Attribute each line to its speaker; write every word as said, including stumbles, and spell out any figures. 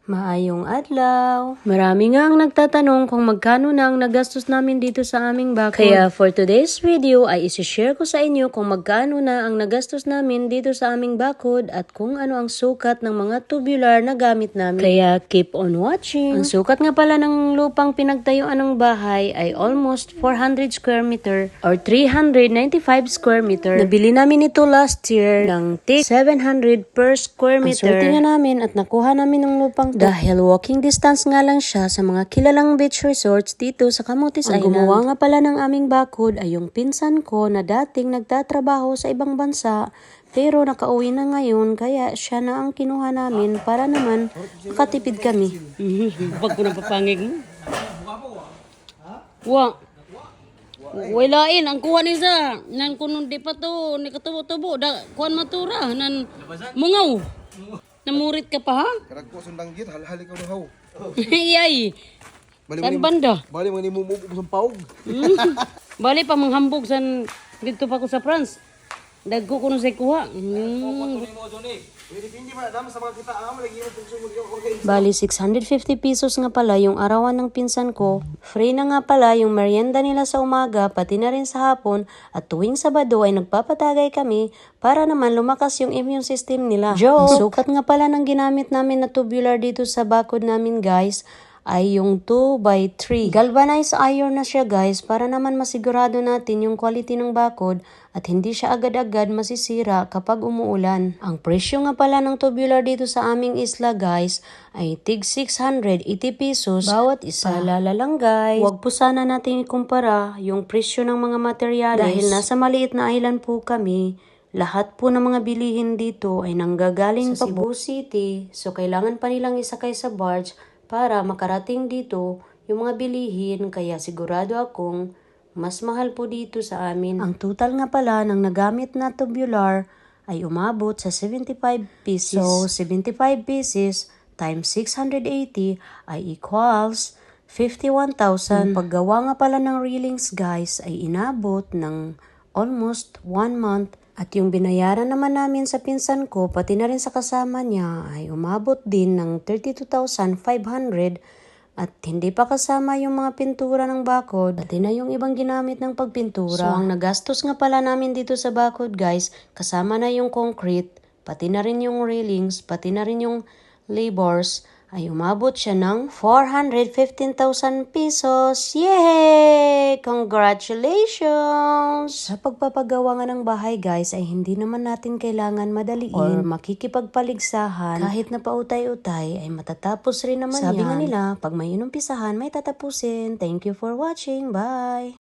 Speaker 1: Maayong adlaw. Marami nga ang nagtatanong kung magkano na ang nagastos namin dito sa aming bakod. Kaya for today's video ay isi-share ko sa inyo kung magkano na ang nagastos namin dito sa aming bakod at kung ano ang sukat ng mga tubular na gamit namin. Kaya keep on watching. Ang sukat nga pala ng lupang pinagtayuan ng bahay ay almost four hundred square meter or three hundred ninety-five square meter. Nabili namin ito last year ng tig seven hundred per square meter. Ang swerte nga namin at nakuha namin ng lupang dahil walking distance nga lang siya sa mga kilalang beach resorts dito sa Camotes Island. Ang gumawa nga pala ng aming bakod ay yung pinsan ko na dating nagtatrabaho sa ibang bansa pero nakauwi na ngayon kaya siya na ang kinuha namin para naman makatipid kami. Pag ko napapangig mo. Wa. Walain ang kuha ni sa nan kuno di pa to ni katubo-tubo da kuan matura nan mungaw. Namurit ka pa ha?
Speaker 2: Karag ko sundang git hal-hali ka haw.
Speaker 1: Iyay. Kan banda.
Speaker 2: Bali man ni mumubo sa paug.
Speaker 1: Bali pa manghambog san dito pa ko sa France. Dagko kuno say kuha. Mm. Bali six hundred fifty pesos nga pala yung arawan ng pinsan ko. Free na nga pala yung merienda nila sa umaga pati na rin sa hapon at tuwing Sabado ay nagpapatagay kami para naman lumakas yung immune system nila. Joke! Sukat nga pala ng ginamit namin na tubular dito sa bakod namin guys ay yung two by three. Galvanized iron na siya guys para naman masigurado natin yung quality ng bakod at hindi siya agad-agad masisira kapag umuulan. Ang presyo nga pala ng tubular dito sa aming isla guys ay tig six hundred eighty pesos bawat isa. Paalala lang guys, huwag po sana natin ikumpara yung presyo ng mga materyales dahil nasa maliit na island po kami. Lahat po ng mga bilihin dito ay nanggagaling sa Cebu City so kailangan pa nilang isakay sa barge para makarating dito yung mga bilihin kaya sigurado akong mas mahal po dito sa amin. Ang total nga pala ng nagamit na tubular ay umabot sa seventy-five pieces. So seventy-five pieces times six hundred eighty ay equals fifty-one thousand. Hmm. Paggawa nga pala ng railings guys ay inabot ng almost one month. At yung binayaran naman namin sa pinsan ko, pati na rin sa kasama niya, ay umabot din ng thirty-two thousand five hundred at hindi pa kasama yung mga pintura ng bakod, pati na yung ibang ginamit ng pagpintura. So, ang nagastos nga pala namin dito sa bakod guys, kasama na yung concrete, pati na rin yung railings, pati na rin yung labors, ay umabot siya ng four hundred fifteen thousand pesos. Yay! Congratulations! Sa pagpapagawa nga ng bahay guys ay hindi naman natin kailangan madaliin or makikipagpaligsahan. Kahit na pautay-utay ay matatapos rin naman Sabi yan. Sabi nga nila, pag may inumpisahan may tatapusin. Thank you for watching. Bye!